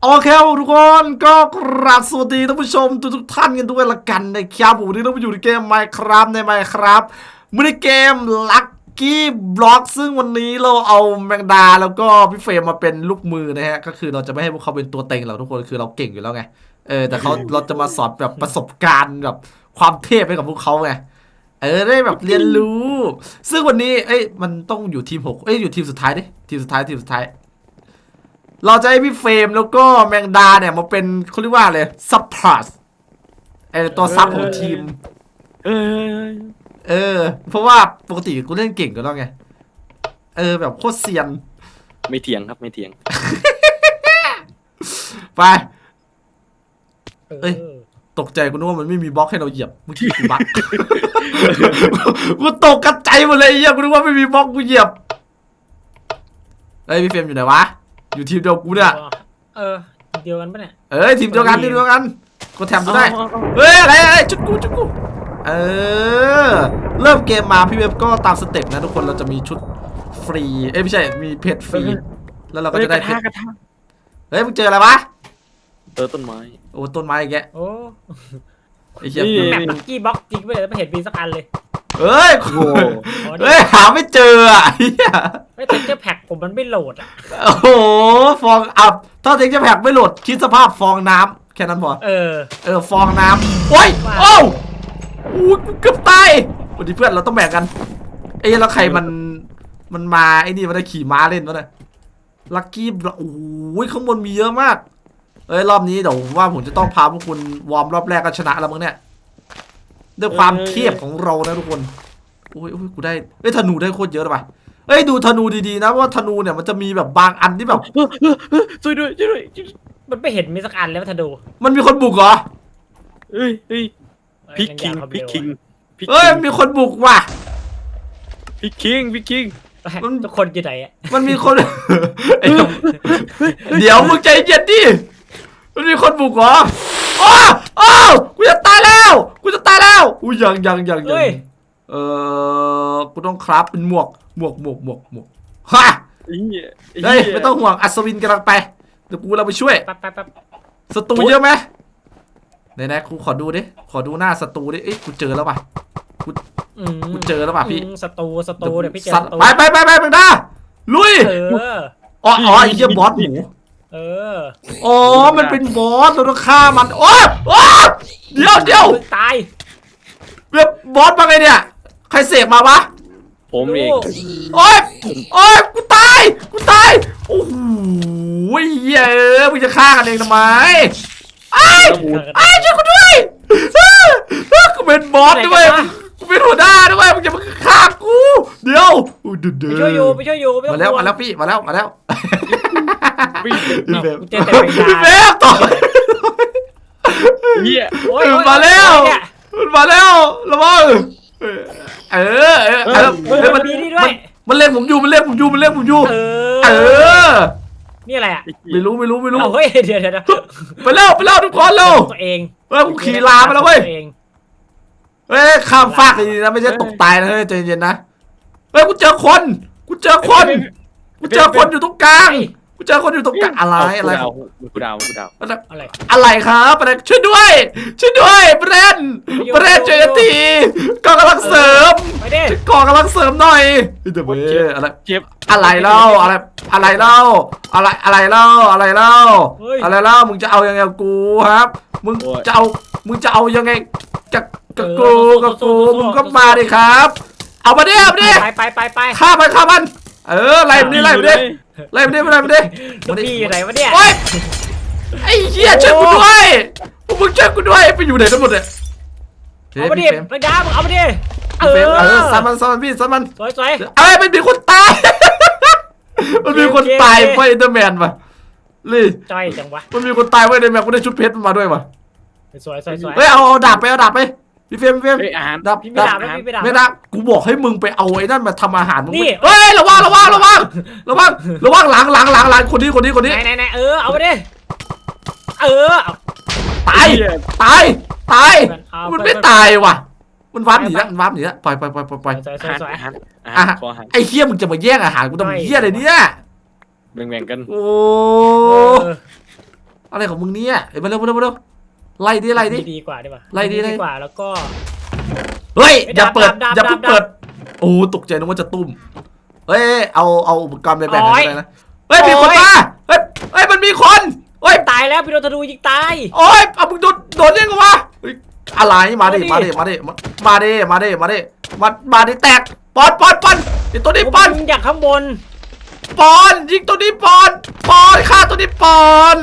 โอเคทุกคนก็กราบสวัสดีท่านผู้ชมทุกท่านกันด้วยละกันนะครับผมวันนี้เราไปอยู่ในเกม Minecraft ใน Minecraft มินิเกม Lucky Block ซึ่งวันนี้เราเอาแมงดาแล้วก็พี่เฟรมมาเป็นลูกมือนะฮะก็คือเราจะไม่ให้พวกเขาเป็นตัวเต็งเราทุกคนคือเราเก่งอยู่แล้วไงแต่เราจะมาสอนแบบประสบการณ์แบบความเทพให้กับพวกเขาไงได้แบบเรียนรู้ซึ่งวันนี้มันต้องอยู่ทีม6อยู่ทีมสุดท้ายดิทีมสุดท้ายเราจะให้พี่เฟรมแล้วก็แมงดาเนี่ยมาเป็นเขาเรียกว่าอะไรซับพลัสตัวซับของทีมเพราะว่าปกติกูเล่นเก่งกันแล้วไงแบบโคตรเซียนไม่เถียงครับไม่เถียงไปตกใจกูนึกว่ามันไม่มีบล็อกให้เราเหยียบเมื่อกี้กูบัก กูตกกระจายหมดเลยไอ้เหี้ยกูนึกว่าไม่มีบล็อกกูเหยียบพี่เฟรมอยู่ไหนวะอยู่ทีมเดียวกูเนี่ยเดียวกันปะเนี่ยทีมเดียวกันกูแถมดูได้อะไรจุดกูเริ่มเกมมาพี่เว็บก็ตามสเต็ปนะทุกคนเราจะมีชุดฟรีไม่ใช่มีเพชรฟรีแล้วเราก็จะได้เพชรมึงเจออะไรวะต้นไม้โอ้ต้นไม้อีกแกไอ้เหี้ยแมปลักกี้บ็อกจริงไปเลยไม่เห็นมีสักอันเลยหาไม่เจอไม่เทคเจอร์แพ็กผมมันไม่โหลดโอ้โหฟองอับถ้าเทคเจอร์แพ็กไม่โหลดคิดสภาพฟองน้ำแค่นั้นพอฟองน้ำโอ้ยกูเกือบตายวันนี้เพื่อนเราต้องแบ่งกันแล้วใครมันมานี่มันได้ขี่ม้าเล่นวะเนี่ยลัคกี้โอ้ยข้างบนมีเยอะมากรอบนี้เดี๋ยวว่าผมจะต้องพาพวกคุณวอร์มรอบแรกก็ชนะแล้วมั้งเนี่ยด้วยความเทียบของเรานะทุกคนโอ้ยกูได้ธนูได้โคตรเยอะเลยป่ะดูธนูดีๆนะว่าธนูเนี่ยมันจะมีแบบบางอันที่แบบช่วยด้วยมันไม่เห็นมีสักอันแล้วธนูมันมีคนบุกเหรอพิกคิงมีคนบุกว่ะพิกคิงทุกคนอยู่ไหนมันมีคนเดี๋ยวมึงใจเย็นดิมันมีคนบุกเหรอกูจะตายแล้วอุ้ยยังกูต้องคราฟเป็นหมวกฮะไม่ต้องห่วงอัศวินกำลังไปเดี๋ยวกูเราไปช่วยศัตรูเยอะไหมไหนกูขอดูหน้าศัตรูดิกูเจอแล้วป่ะกูเจอแล้วป่ะพี่ศัตรูเดี๋ยวพี่เจอไปมึงนะลุยไอ้เหี้ยบอสหมูมันเป็นบอสเราต้องฆ่ามันเดี๋ยวตายเรียบบอสมาไงเนี่ยใครเสกมาวะผมเองกูตายโอ้โหเหี้ยมึงจะฆ่ากันเองทำไมช่วยกูด้วยกูเป็นบอสด้วยกูเป็นหัวหน้าด้วยมึงจะมาฆ่ากูเดี๋ยวไปช่วยอยู่มาแล้วพี่มาแล้วพี่เบฟต่อมาแล้วระวังมันเล่นผมอยู่นี่อะไรไม่รู้เฮ้ยเดี๋ยวไปแล้วทุกคนเร็วตัวเองกูขี่ลาไปแล้วเว้ยข้ามฟากดีนะไม่ใช่ตกตายนะใจเย็นนะกูเจอคนอยู่ตรงกลางอะไรกูดาวอะไรครับช่วยด้วยเบรนช่วยทีกองกำลังเสริมหน่อยเดี๋ยวอะไรเล่ามึงจะเอายังไงกูครับมึงจะเอายังไงกับกูมึงก็มาดิครับเอามาดิไปฆ่ามันไล่มันดิพี่อยู่ไหนวะเนี่ยไอ้เหี้ยช่วยกูด้วยมึงช่วยกูด้วยไปอยู่ไหนกันหมดเนี่ยเอามาดิระยะมึงเอามาดิซันมันพี่ซันมันสวยมันมีคนตายมันมีคนตายเพราะอินเตอร์แมนป่ะลี่จ้อยจังวะมันมีคนตายเพราะอินเตอร์แมนกูได้ชุดเพชรมาด้วยป่ะสวยเอาดาบไปพี่เฟรมดับไม่ดับกูบอกให้มึงไปเอาไอ้นั่นมาทำอาหารมึงระวังหลังคนนี้ไหนเอาไปดิตายมันไม่ตายว่ะมันวับหนีแล้วปล่อยไอ้เหี้ยมึงจะมาแย่งอาหารกูทำเหี้ยอะไรเนี่ยแบ่งกันโอ้อะไรของมึงเนี่ยเอ้ยมาเร็วไล่ดิดีกว่าดีกว่าไล่ดิดีกว่าแล้วก็เฮ้ยอย่าเปิดดับอย่าเพิ่งดับเปิดโอ้ตกใจนึกว่าจะตุ้มเฮ้ยเอาอุปกรณ์ไปแบ่งกันได้นะเฮ้ยมีคนมาเฮ้ยมันมีคนเฮ้ยตายแล้วพี่โดนธนูยิงตายโอ้ยเอามึงโดนยังไงวะเฮ้ยอะไรมาดิแตกปอนไอตัวนี้ปอนยิงจากข้างบนยิงตัวนี้ปอนฆ่าตัวนี้ปอน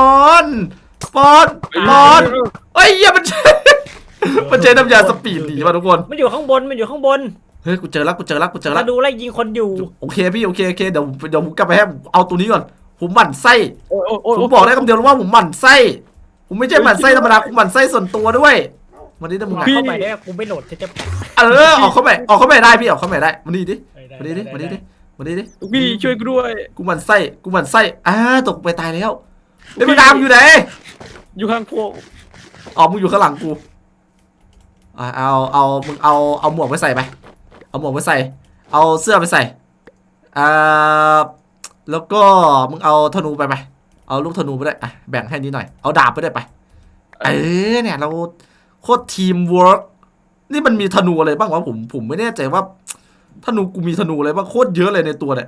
เฮ้ยเหี้ยมันใช้น้ำยาสปีดหนีมาทุกคนมันอยู่ข้างบนเฮ้ยกูเจอแล้วมาดูไล่ยิงคนอยู่โอเคพี่โอเคเดี๋ยวผมกลับไปให้เอาตัวนี้ก่อนผมหมั่นไส้โอ้ยผมบอกได้คำเดียวว่าผมหมั่นไส้ผมไม่ใช่หมั่นไส้ธรรมดาผมหมั่นไส้ส่วนตัวด้วยวันนี้นะมึงเข้าไปได้กูไม่โหลดจะออกเข้าไปได้พี่ออกเข้าไปได้มาดิพี่ช่วยกูด้วยกูหมั่นไส้ตกไปตายแล้วไอ้พี่ดามอยู่ไหนอยู่ข้างพวกมึงอยู่ข้างหลังกูมึงเอาหมวกไปใส่ไปเอาหมวกไปใส่เอาเสื้อไปใส่แล้วก็มึงเอาธนูไปเอาลูกธนูไปได้แบ่งให้นิดหน่อยเอาดาบไปได้ไปเนี่ยเราโคตรทีมเวิร์กนี่มันมีธนูอะไรบ้างวะผมไม่แน่ใจว่าธนูกูมีธนูอะไรบ้างโคตรเยอะเลยในตัวเนี่ย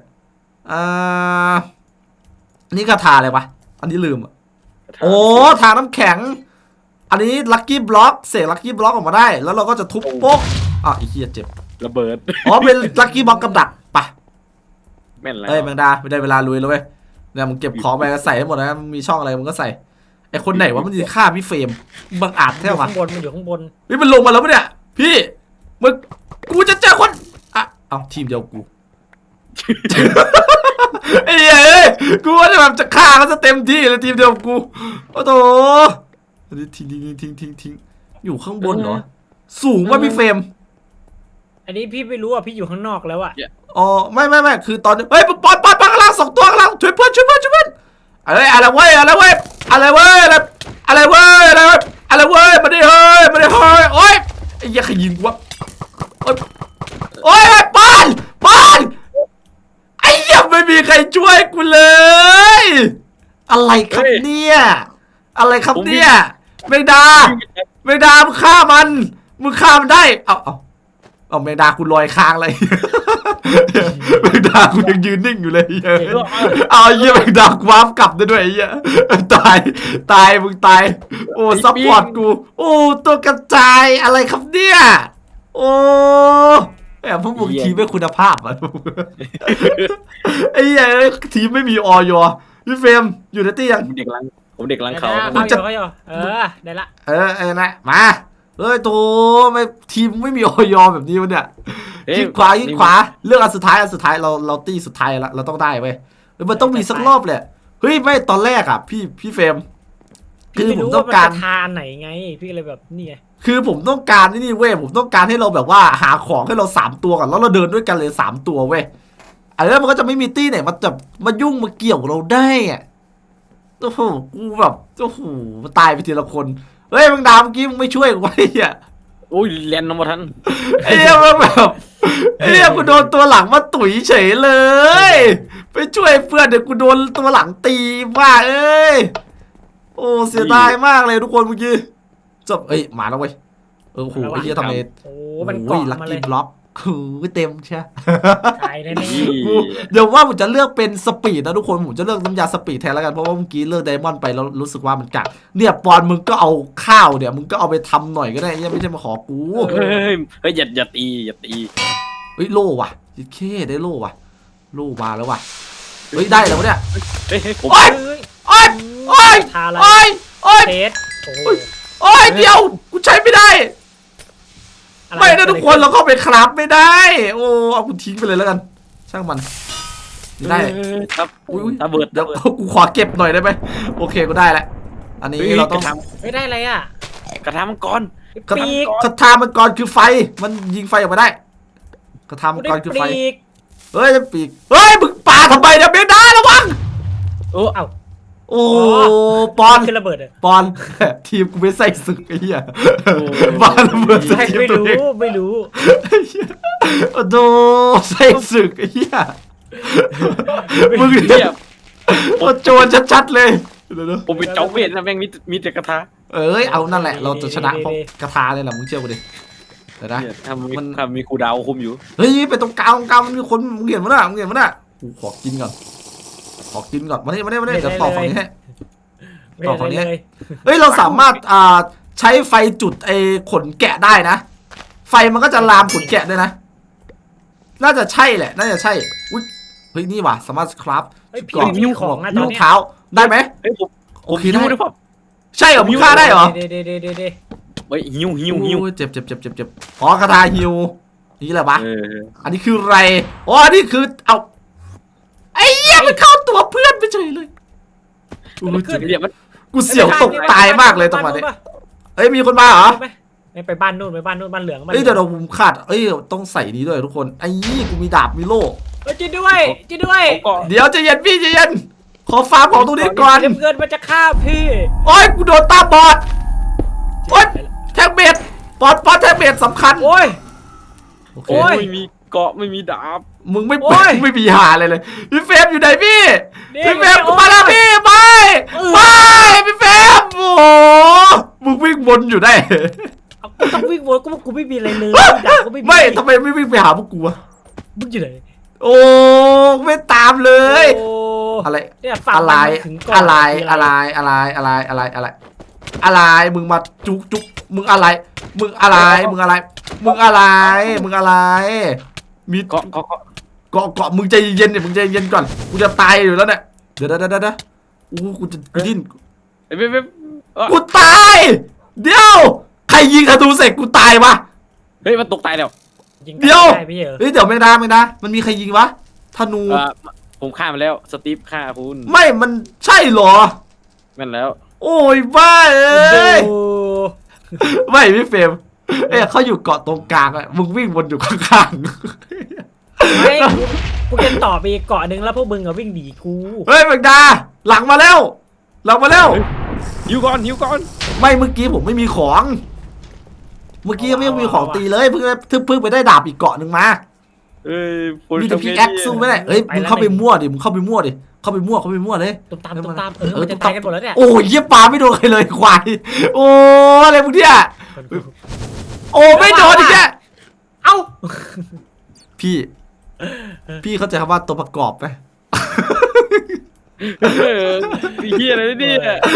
นี่คาถาอะไรวะอันนี้ลืมโอ้ทางน้ำแข็งอันนี้ลัคกี้บล็อกเสกลัคกี้บล็อกออกมาได้แล้วเราก็จะทุบโป๊กไอ้เหี้ยเจ็บระเบิดเป็นลัคกี้บล็อกกับดักปะแม่นแล้วแมงดาไม่ได้เวลาลุยแล้วเว้ยเนี่ยมึงเก็บของไปใส่ให้หมดนะมึงมีช่องอะไรมึงก็ใส่ไอคนไหนวะมันจะฆ่าพี่เฟรมบังอาจแท้วะมันอยู่ข้างบนมันลงมาแล้วปะเนี่ยพี่กูจะเจอคนเอาทีมเดียวกูไอ้เฮ้ยกูว่าจะแบบจะฆ่าเขาจะเต็มที่เลยทีมเดียวกูโอ้โหทิ้งอยู่ข้างบนเหรอสูงว่าพี่เฟรมอันนี้พี่ไม่รู้อ่ะพี่อยู่ข้างนอกแล้วอ่ะอ๋อไม่คือตอนนี้เฮ้ยปอนข้างล่าง2 ตัวข้างล่างช่วยเพื่อนอะไรเว้ยมาดิเฮ้ยโอ๊ยไอ้เหี้ยใครยิงกูวะโอ๊ยปอนไอ้เหี้ยไม่มีใครช่วยกูเลยอะไรครับเนี่ยแมงดามึงฆ่ามันได้เอาแมงดากูลอยค้างเลยแมงดากูยังยืนนิ่งอยู่เลยเอาเหี้ยแมงดากูวาร์ปกลับได้ด้วยไอ้เหี้ยตายมึงตายโอ้ซัพพอร์ตกูโอ้ตัวกระจายอะไรครับเนี่ยโอ้พวกมึงทีมไม่คุณภาพอ่ะไอ้เหี้ยทีมไม่มีออยพี่เฟรมอยู่ในตี้ยังผมเด็กลังเขาเขาอยู่ได้ละนะมาเฮ้ยโตไม่ทีมไม่มีออยแบบนี้วะเนี่ยยิงขวาเลือกอันสุดท้ายเราตีสุดท้ายละเราต้องได้เว้ยมันต้องมีสักรอบแหละเฮ้ยไม่ตอนแรกอ่ะพี่เฟรมคือผมต้องการทานไหนไงพี่เลยแบบนี่ไงคือผมต้องการนี่เว้ยผมต้องการให้เราแบบว่าหาของให้เรา3 ตัวก่อนแล้วเราเดินด้วยกันเลย3 ตัวเว้ยแล้วมันก็จะไม่มีตี้ไหนมายุ่งมาเกี่ยวเราได้อ่ะโอ้โหกูแบบโอ้โหตายไปทีละคนเฮ้ยมึงดาวเมื่อกี้มึงไม่ช่วยกูไว้อ่ะโอ้ยเรียนน้ำมาทันไอ้เหี้ยมันแบบไอ้เหี้ยกูโดนตัวหลังมาตุ๋ยเฉยเลยไปช่วยเพื่อนเดี๋ยวกูโดนตัวหลังตีบ้าโอ้เสียดายมากเลยทุกคนเมื่อกี้จบมาแล้วเว้ยโอ้โหไอ้เหี้ยทำไมมันเกาะลัคมาเลกี้ยบล็อกเต็มใช่ตายแน่เดี๋ยวว่าผมจะเลือกเป็นสปีดนะทุกคนผมจะเลือกน้ำยาสปีดแทนแล้วกันเพราะว่าเมื่อกี้เลือกไดมอนด์ไปแล้วรู้สึกว่ามันกัดเนี่ยปอนมึงก็เอาข้าวเนี่ยมึงก็เอาไปทำหน่อยก็ได้ยังไม่ใช่มาขอกูเฮ้ยอย่าตีเฮ้ยโล่ว่ะยิเคได้โล่ว่ะโล่มาแล้วว่ะเฮ้ยได้แล้วเนี่ยโอ๊ยเดี๋ยวกูใช้ไม่ได้ไม่นะทุกคนเราเข้าไปคราฟไม่ได้โอ้เอากูทิ้งไปเลยแล้วกันช่างมันได้ครับระเบิดเดี๋ยวกูขอเก็บหน่อยได้ไหมโอเคกูได้แล้วอันนี้เราต้องไม่ได้อะไรอ่ะกระทามังกรกระทามังกรคือไฟมันยิงไฟออกมาได้กระทามังกรคือไฟเฮ้ยปีกเฮ้ยมึงปาทำไมเนี่ยเบนด้าระวังโอ้ปอนคือระเบิดปอนทีมกูไม่ใส่ศึกไอ้เหี้ยปอนระเบิดทีมตัวเองไม่รู้โอ้โหใส่ศึกไอ้เหี้ยมึงเนี่ยโจรชัดๆเลยเดี๋ยวผมเป็นจอมเวทนะแม่งมีแต่กระทะเอ้ยเอานั่นแหละเราจะชนะเพราะกระทาเลยแหละมึงเชื่อกูดิเดี๋ยวนะเนี่ยถ้ามีครูดาวคุมอยู่เฮ้ยไปตรงกลางมันมีคนมึงเห็นมั้ยน่ะกูขอกินก่อนมานี่เดี๋ยวต่อฝั่งนี้ให้ ต่อฝั่งนี้เลยเฮ้ยเราสามารถใช้ไฟจุดไอ้ขนแกะได้นะไฟมันก็จะลามขนแกะด้วยนะน่าจะใช่แหละน่าจะใช่อุ้ยเฮ้ยนี่ว่ะสามารถคราฟเฮ้ยพี่ก่อนมีของนะตอนนิ้วเนี้ยเท้าได้ไหมเฮ้ยผมโอเคได้ด้วยพ่อใช่เหรอมึงฆ่าได้เหรอเดี๋ยวเฮ้ยหิวโอ้ยเจ็บอ๋อกระทาฮิวนี่แหละปะออันนี้คืออะไรอ๋ออันนี้คือเอาไอ้เหี้ยมันเข้าตัวเพื่อนไปเฉยเลยกูรู้สึกเนี่ยมันกูเสียวตกตายมากเลยตรงนี้เอ้ยมีคนมาเหรอไปบ้านนู่นบ้านเหลืองเอ้ยเดี๋ยวเราผมขาดเอ้ยต้องใส่นี้ด้วยทุกคนไอ้ยี่กูมีดาบมีโล่จีด้วยก็เดี๋ยวใจเย็นพี่ใจเย็นขอฟาร์มของตรงนี้ก่อนเงินมันจะฆ่าพี่โอ้ยกูโดนตาบอดโอ้ยแท็กเบ็ดปอดแท็กเบ็ดสำคัญโอ้ยโอเคโอ้ยไม่มีเกาะไม่มีดาบมึงไม่โอ้ยไม่มีหาอะไรเลยพี่เฟรมอยู่ไหนพี่นี่พี่เฟรมโอ้ยมาแล้วพี่ไปเออไปพี่เฟรมโอ้โหมึงวิ่งวนอยู่ได้กูต้องวิ่งวนกูไม่มีอะไรเลยดาบก็ไม่มีไม่ทำไมไม่วิ่งไปหาพวกกูวะมึงอยู่ไหนโอ้ไม่ตามเลยโอ้อะไรเนี่ยฝั่งอะไรมันถึงก่อนอะไรมึงมาจุกมึงอะไรมีเกาะเกาะมึงใจเย็นเนี่ยมึงใจเย็นก่อนกูจะตายอยู่แล้วเนี่ยเดี๋ยวกูจะดิ้นเฮ้ยกูตายเดี๋ยวใครยิงธนูเสร็จกูตายวะเฮ้ยมันตกตายแล้วยิงเดี๋ยวได้พี่เหรอเฮ้ยเดี๋ยวไม่ได้มันมีใครยิงวะธนูผมฆ่ามันแล้วสตีฟฆ่าคุณไม่มันใช่เหรอแม่นแล้วโอ้ยบ้าเอ้ยโอ้ไม่พี่เฟรมเอ้ยเขาอยู่เกาะตรงกลางอะมึงวิ่งวนอยู่ข้างไม่กูจะต่อไปอีกเกาะหนึ่งแล้วพวกมึงอะวิ่งหนีกูๆเฮ้ยแมงดาหลังมาแล้วหิวก่อนไม่เมื่อกี้ผมไม่มีของ เมื่อกี้ยังไม่มีของตีเลยเพิ่งไปได้ดาบอีกเกาะหนึ่งมาเอ้ยมีแต่พิกแอคสู้ไม่ได้เฮ้ยมึงเข้าไปมั่วดิเข้าไปมั่วเลยตุ้มตามมันจะตายกันหมดแล้วเนี่ยโอ้ยเยี่ยปลาไม่โดนใครเลยควายโอ้อะไรมึงเนี่ยโอ้ไม่โดนอีกแกเอ้าพี่เข้าใจคำว่าตัวประกอบไหมเฮียอะไรเนี่ย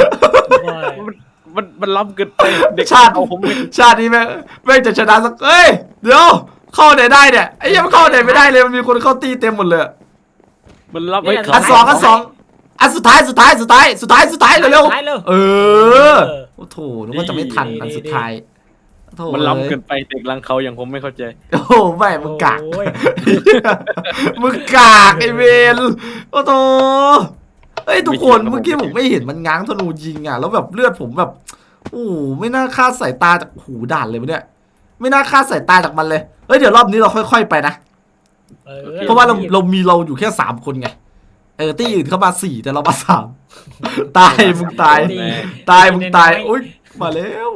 มันล้ำเกินไปเด็กชาติเอาผมชาตินี้แม่งจะชนะสักเอ้ยเดี๋ยวเข้าไหนได้เนี่ยไอ้ยังเข้าไหนไม่ได้เลยมันมีคนเข้าตีเต็มหมดเลยมันล้ำไว้อันสองอันสุดท้ายเร็วๆเออโอ้โถนึกว่าจะไม่ทันอันสุดท้ายโถมันล้ำเกินไปเด็กรังเขาอย่างผมไม่เข้าใจโอ้ไม่มึงกากมึงกากไอเวนโอ้โถเฮ้ยทุกคนเมื่อกี้ผมไม่เห็นมันง้างธนูยิงอ่ะแล้วแบบเลือดผมแบบโอ้ไม่น่าคาดสายตาจากหูด่านเลยวะเนี่ยไม่น่าคาดสายตาจากมันเลยเฮ้ยเดี๋ยวรอบนี้เราค่อยๆไปนะเพราะว่าเรามีเราอยู่แค่3 คนไงที่อื่นเข้ามา4แต่เรามา3ตายมึงตายอุ้ยมาแล้ว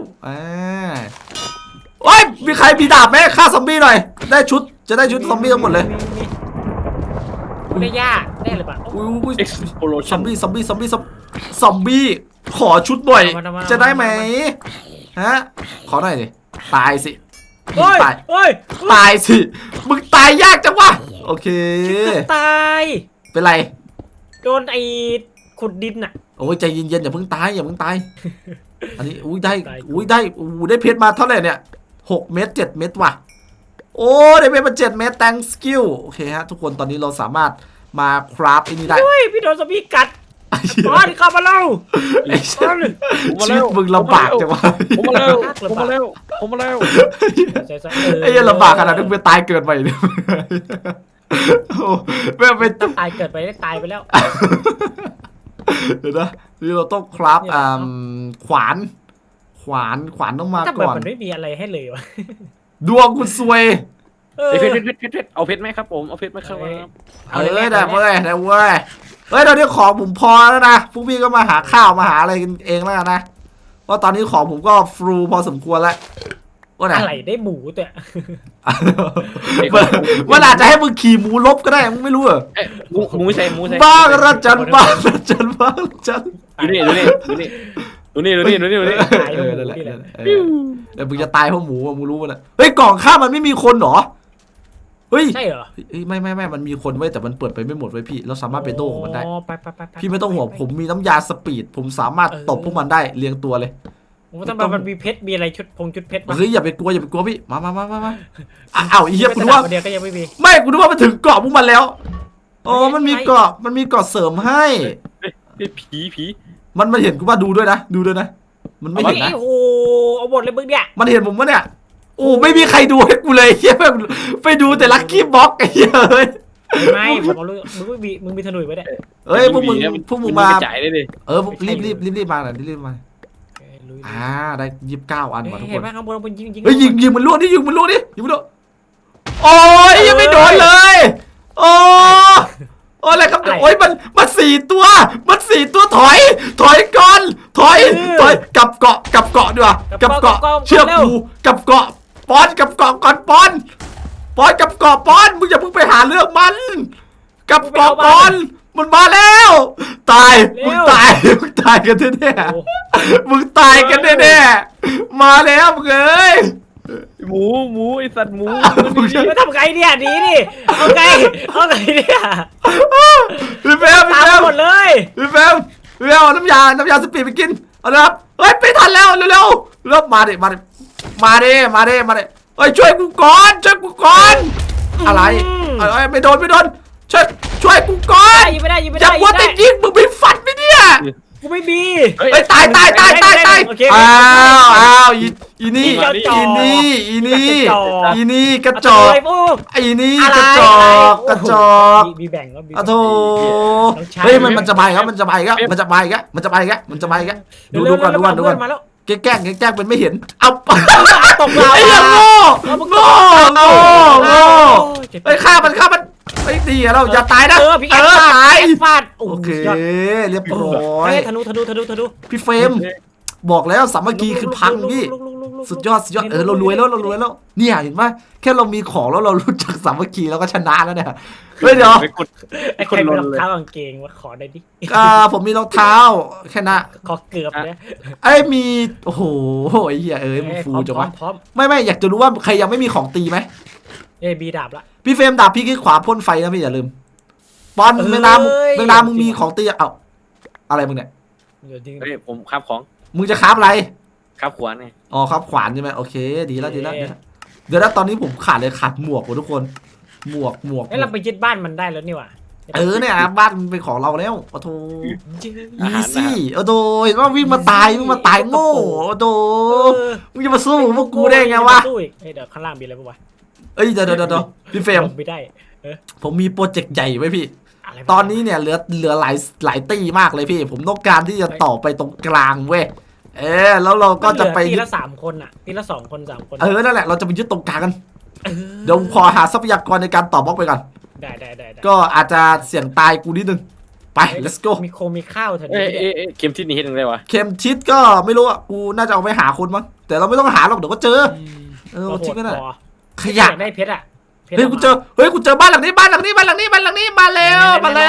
โอ้ยมีใครมีดาบไหมฆ่าซอมบี้หน่อยได้ชุดจะได้ชุดซอมบี้ทั้งหมดเลยได้ยากได้หรือเปล่าอุ้ยเอ็กซ์โพโลซชั่อน มบี้ขอชุดหน่อยจะได้ไหมฮะขอหน่อยดิตายสิโอ้ยตายสิมึงตายยากจังวะโอเคตายเป็นไรโดนไอ้ขุดดินอ่ะโอ้ยใจเย็นๆอย่าเพิ่งตายอันนี้ได้ได้เพชรมาเท่าไหร่เนี่ย6 เม็ด7 เม็ดว่ะโอ้ได้เพชรมา7 เม็ด thank skill โอเคฮะทุกคนตอนนี้เราสามารถมาคราฟไอ้นี่ได้โอ้ยพี่โดนซอมบี้กัดอ๋อที่เข้ามาเล่าชีวิตมึงลำบากจังวะผมมาแล้วไอ้ยังลำบากขนาดนึงไปตายเกิดใหม่เนี่ยไม่ไปตายเกิดไปได้ตายไปแล้วเดี๋ยวนะนี่เราต้องคราฟขวานต้องมาถ้าก่อนมันไม่มีอะไรให้เลยวะดวงคุณซวยเพชรเอาเพชรไหมครับผมเอาเพชรไหมครับได้เว้ยเฮ้ยตอนนี้ของผมพอแล้วนะพวกพี่ก็มาหาข้าวมาหาอะไรกันเองแล้วกันนะเพราะตอนนี้ของผมก็ฟรูพอสมควรแล้วว่าไหนอะไรได้หมูตัวมันอาจจะให้มึงขี่หมูลบก็ได้มึงไม่รู้เหรอเอ้ยหมูใส่บ้างระจันบ้างระจันบ้างระจันดูนี่ตายแล้วหมูนั่นแหละนี่แหละเดี๋ยวมึงจะตายเพราะหมูอะมึงรู้มันอะเฮ้ยกล่องข้าวมันไม่มีคนเหรอเฮ้ยใช่เหรอเฮ้ยไม่มันมีคนไว้แต่มันเปิดไปไม่หมดไว้พี่เราสามารถไปโต้ของมันได้อ๋อไปพี่ไม่ต้องห่วงผมมีน้ำยาสปีดผมสามารถตบพวกมันได้เรียงตัวเลยโอ้ทำไมมันมีเพชรมีอะไรชุดเพชรเฮ้ยอย่าไปกลัวพี่มาอ้าวไอ้เหี้ยกูนึกว่าเดียวก็ยังไม่มีไม่กูนึกว่ามันถึงเกาะพวกมันแล้วอ๋อมันมีเกาะเสริมให้ผีมันมาเห็นกูว่าดูด้วยนะมันไม่เห็นนะโอ้โหเอาหมดเลยมึงเนี่ยมันเห็นผมปะเนี่ยโอ้ไม่มีใครดูให้กูเลยเหี้ยไปดูแต่ลัคกี้บ็อกไอ้เหี้ยเฮ้ยไม่ผมเอาลูกมึงมีธนูไว้เนี่ยเฮ้ยพวกมึงมาจ่ายได้เลยรีบมาหน่อยรีบมาได้29 อันว่ะทุกคเห็นนไหมข้างบนยิงเฮ้ยยิงมันล่วงดิยิงมันล่วงโอ้ยยังไม่โดนเลยโอ้อะไรครับโอ้ยมัน4 ตัวถอยก่อนถอยกลับเกาะดีกว่ากับเกาะเชื่อกูกับเกาะปอนกับเกาะก่อนปอนกับเกาะปอนมึงอย่าเพิ่งไปหาเรื่องมันกับเกาะปอนมันมาแล้วตายมึงตายกันแน่ๆมึงตายกันแน่ๆมาแล้วมึงเอ้ยหมูไอสัตว์หมูมาทำไงเนี่ยดีดิเอาไงเนี่ยพี่แฟมตามหมดเลยพี่แฟมเอาน้ำยาสปีดไปกินเอาละครับเฮ้ยไปทันแล้วเร็วมาดิเฮ้ยช่วยกูก่อนอะไรไม่โดนช่วยกูก่อนยิงไม่ได้อย่าวัวแต่ยิงมึงไปฟันไปเนี่ยกูไม่มีเฮ้ยตายอ้าวอีนี่กระจอกไอ้นี่กระจอกมีแบ่งก็มีอะโธเฮ้ยมันจะมาอีกแล้วดูก่อนมาแล้วแกล้งเป็นไม่เห็นเอาตกเราไอ้ยังโง่เฮ้ยฆ่ามันไอ้ดีเราอย่าตายนะพี่ตายฟาดโอเคเรียบร้อยธนูพี่เฟรมบอกแล้วสามัคคีคือพังพี่สุดยอดเรารวยแล้วเนี่ยเห็นไหมแค่เรามีของแล้วเรารู้จักสามัคคีเราก็ชนะแล้วเนี่ยเฮ้ยเดี๋ยวไอ้คนมีรองเท้ากางเกงว่าขอได้ดิผมมีรองเท้าแค่นะขอเกือบเนี่ยไอ้มีโอ้โหไอ้เหี้ยมึงฟูจังวะพร้อมไม่อยากจะรู้ว่าใครยังไม่มีของตีไหมบีดาบละพี่เฟรมดาบพี่คือขวาพ่นไฟนะพี่อย่าลืมปอนเวลามึงมีของตีเอ้าอะไรมึงเนี่ยเฮ้ยผมคาบของมึงจะคราฟอะไรคาบขวานไงอ๋อครับขวานใช่ไหมโอเคดีแล้วเดี๋ยวนะตอนนี้ผมขาดหมวกว่ะทุกคนหมวกเราไปยึดบ้านมันได้แล้วนี่ว่ะเนี่ยบ้านเป็นของเราแล้วโอ้โหอีซี่โอ้โหเห็นว่าวิ่งมาตายโง่โอ้โหมึงจะมาสู้พวกกูได้ไงวะเดี๋ยวข้างล่างมีอะไรบ้างวะเอ้ยเดี๋ยวพี่เฟรมไม่ได้ผมมีโปรเจกต์ใหญ่ไว้พี่ตอนนี้เนี่ยเหลือหลายตีมากเลยพี่ผมต้องการที่จะต่อไปตรงกลางเว้ยแล้วเราก็จะไปทีละ3 คนอ่ะทีละ2 คน 3 คนนั่นแหละเราจะไปยึดตรงกลางกันเดี๋ยวขอหาทรัพยากรในการต่อบล็อกไปก่อนได้ก็อาจจะเสี่ยงตายกูนิดนึงไป let's go มีข้าวเถอะเกมที่นี่เห็นยังไงวะเข็มทิศก็ไม่รู้อ่ะกูน่าจะเอาไปหาคนมั้งแต่เราไม่ต้องหาหรอกเดี๋ยวก็เจอทิ้งกันน่ะขยะได้เพชรอ่ะเฮ้ยกูเจอบ้านหลังนี้มาแล้ว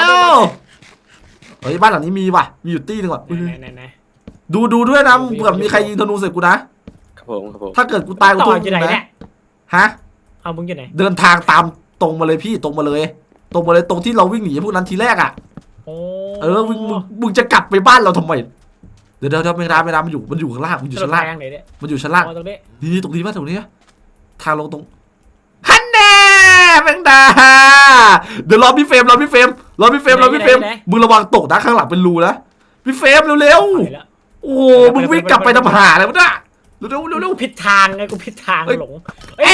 เฮ้ยบ้านหลังนี้มีว่ะมีอยู่ตี้นึงว่ะดูด้วยนะเผื่อมีใครยิงธนูใส่กูนะครับผมถ้าเกิดกูตายกูโดนยิงนะฮะเอามึงอยู่ไหนเดินทางตามตรงมาเลยพี่ตรงมาเลยตรงที่เราวิ่งหนีพวกนั้นทีแรกอ่ะมึงจะกลับไปบ้านเราทำไมเดี๋ยวไม่ได้มันอยู่ข้างล่างมันอยู่ชั้นล่างนี่ตรงนี้ป่ะตรงนี้ทางลงตรงฮันแน่แมงดาเดี๋ยวรอพี่เฟรมมึงระวังตกนะข้างหลังเป็นรูนะพี่เฟรมเร็วโอ้มึงวิ่งกลับไปทำหาอะไรวะเนี่ยเร็วผิดทางไงกูผิดทางหลง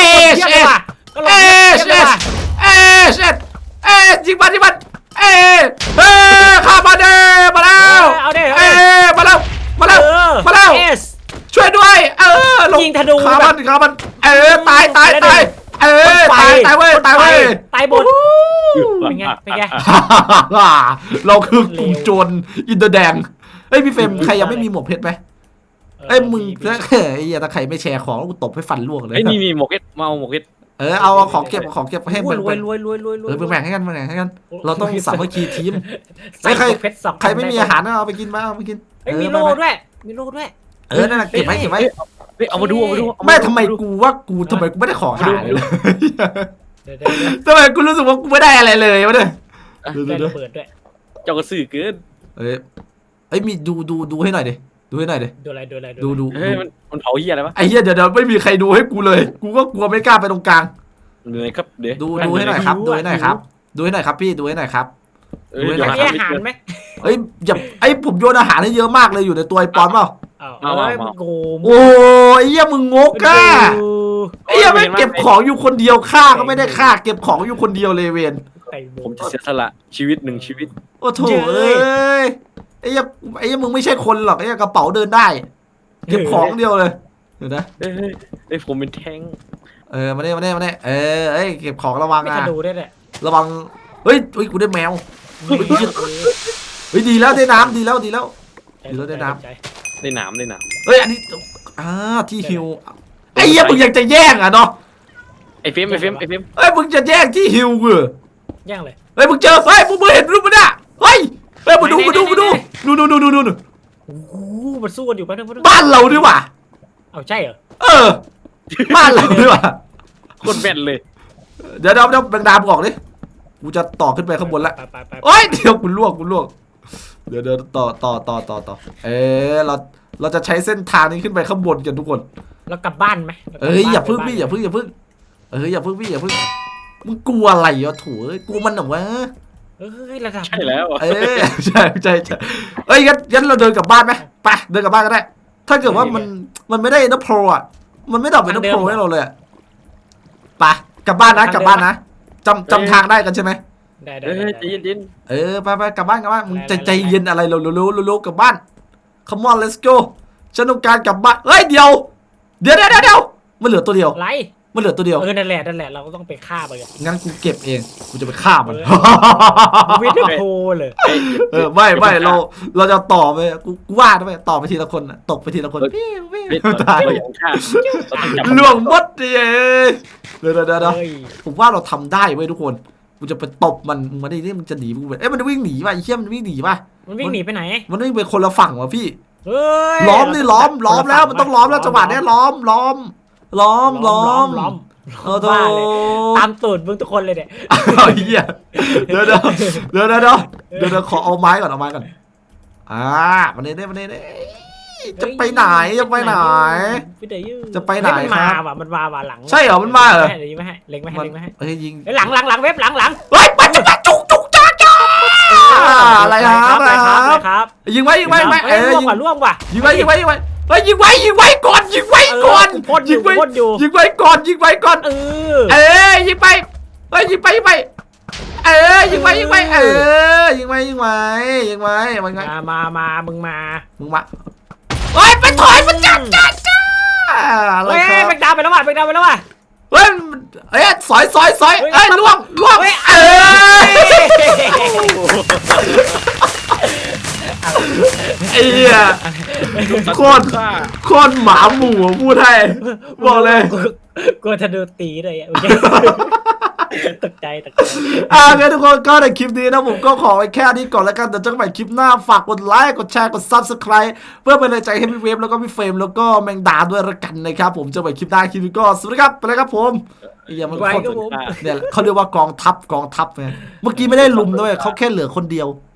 ยิงมันข้ามาเด้มาแล้วช่วยด้วยยิงธนูข้ามันตายเว้ยตายบนเป็นไงเราคือกลุ่มโจรอินเดอร์แดงเฮ้ยพี่เฟรมใครยังไม่มีหมวกเพชรไหมเอ้ยมึงไอ้เหี้ยถ้าใครไม่แชร์ของกูตบให้ฟันร่วงเลยไอ้นี่หมกเอ็ดมาเอาหมกเอ็ดเอาของเก็บให้รวยแบ่งรวยรวยรวยรวยแบ่งให้กันเราต้องสามัคคีทีมใส่ใครเพชรสองใครไม่มีอาหารเอาไปกินมาเอาไปกินมีโล่ด้วยมีโล่ด้วยนั่นแหละเก็บไว้เฮ้ยเอามาดูไม่ทำไมกูไม่ได้ของหายเลยเดี๋ยวทำไมกูรู้สึกว่ากูไม่ได้อะไรเลยวะเนี่ยได้ระเบิดด้วยเจ้ากระสือเกินเอ้ยมีดูให้หน่อยดิดูให้หน่อยดิดูอะไรดูเฮ้ยมันเผาเหี้ยอะไรวะไอ้เหี้ยเดี๋ยวไม่มีใครดูให้กูเลย กูก็กลัวไม่กล้าไปตรงกลางเหนื่อยครับเดี๋ยวดูให้หน่อยครับดูให้หน่อยครับดูให้หน่อยครับพี่ดูให้หน่อยครับมีอาหารไหมเอ้ยอย่าไอ้ผมโยนอาหารให้เยอะมากเลยอยู่ในตัวไอ้ปอนเปล่ามันโกงโอ้ยเหี้ยมึงงกอ่ะไอ้เหี้ยไม่เก็บของอยู่คนเดียวฆ่าก็ไม่ได้ฆ่าเก็บของอยู่คนเดียวเลยเวนผมจะเสียสละชีวิต1 ชีวิตโอ้โถเอ้ยไอ้เหี้ยมึงไม่ใช่คนหรอกไอ้เหี้ยกระเป๋าเดินได้ เก็บของเดียวเลยเดี๋ยวนะเฮ้ยผมเป็นแท้งมาเนี่ยเอ้ยเก็บของระวังไม่นะจะดูได้แหละระวังเฮ้ยกูได้แมวเฮ้ยดีแล้วได้น้ำดีแล้วได้หนามเฮ้ยอันนี้ที่ฮิวไอ้เหี้ยมึงยังจะแย่งอ่ะเนาะไอ้เฟมเฮ้ยมึงจะแย่งที่ฮิวกูแย่งเลยเฮ้ยมึงเจอเฮ้ยมึงเห็นรูปมันอ่ะเฮ้ยมาดูดูโอ้โหมันสู้กันอยู่แป๊บนึงบ้านเราดีกว่าเอาใช่เหรอบ้านเราดีกว่าคนแม่นเลยเดี๋ยวแบงดามบอกดิกูจะต่อขึ้นไปข้างบนละไปโอ้ยเดี๋ยวกูล่วงเดี๋ยวต่อเราจะใช้เส้นทางนี้ขึ้นไปข้างบนกันทุกคนแล้วกลับบ้านไหมอย่าพึ่งพี่อย่าพึ่งมึงกลัวอะไรอ่ะโถกลัวมันเหรอวะระดับใช่แล้วใช่เอ้ยงั้นเราเดินกลับบ้านไหมไปเดินกลับบ้านก็ได้ถ้าเกิดว่ามันไม่ได้นับโปรอ่ะมันไม่ดรอปเป็นนับโปรให้เราเลยไปกลับบ้านนะจำทางได้กันใช่ไหมได้ใจเย็นไปกลับบ้านมึงใจเย็นอะไรเร็วกลับบ้าน come on let's go ฉันต้องการกลับบ้านเฮ้ยเดี๋ยวมันเหลือตัวเดียวไรมันเหลือตัวเดียวนั่นแหละเราก็ต้องไปฆ่าไปกันงั้นกูเก็บเองกูจะไปฆ่ามันวิดโพเลยไม่เราจะต่อไปกูว่าไปต่อไปทีละคนตกไปทีละคนตายเราอย่างฆ่าล่วงมดดิเดี๋ยวผมว่าเราทำได้เว้ยทุกคนกูจะไปตบมันมาดิมันจะหนีมึงมันวิ่งหนีป่ะไอ้เหี้ยมันวิ่งหนีป่ะมันวิ่งหนีไปไหนมันวิ่งไปคนละฝั่งว่ะพี่ล้ล้อมแล้วมันต้องล้อมแล้วจังหวะนี้ล้อมตามตูดมึงทุกคนเลยเนี่ยเหี้ยเดี๋ยวขอเอาไม้ก่อนมันนี่จะไปไหนจะไปไหนครับมันมาหลังใช่เหรอมันมาเหรอเดี๋ยวยิงไม่ให้เล็งไม่ให้เฮ้ยยิงหลังเว็บหลังเฮ้ยมันจะจุกจ้าอะไรครับยิงไว้ล่วงว่ะยิงไว้เฮ้ยยิงไว้ก่อนยิงไว้ก่อนยิงไว้ก่อนยิงไปยิงไปยิงไปมามึงมาเฮ้ยไปถอยมันจ้าอะไรครับแบกดาวไปแล้วว่ะเฮ้ยสอยล่วงไอ้เหี้ยโคตรหมาหมู่พูดให้บอกเลยกลัวจะโดนตีเลยตกใจงั้นทุกคนก็ในคลิปนี้นะผมก็ขอไว้แค่นี้ก่อนแล้วกันแต่เจอกันใหม่คลิปหน้าฝากกดไลค์กดแชร์กด Subscribe เพื่อเป็นกำลังใจให้พี่เวฟแล้วก็พี่เฟรมแล้วก็แมงดาด้วยละกันนะครับผมเจอกันใหม่คลิปหน้าคลิปนี้ก็สวัสดีครับไปเลยครับผมมันเนี่ยเขาเรียกว่ากองทัพไงเมื่อกี้ไม่ได้ลุมด้วยเขาแค่เหลือคนเดียว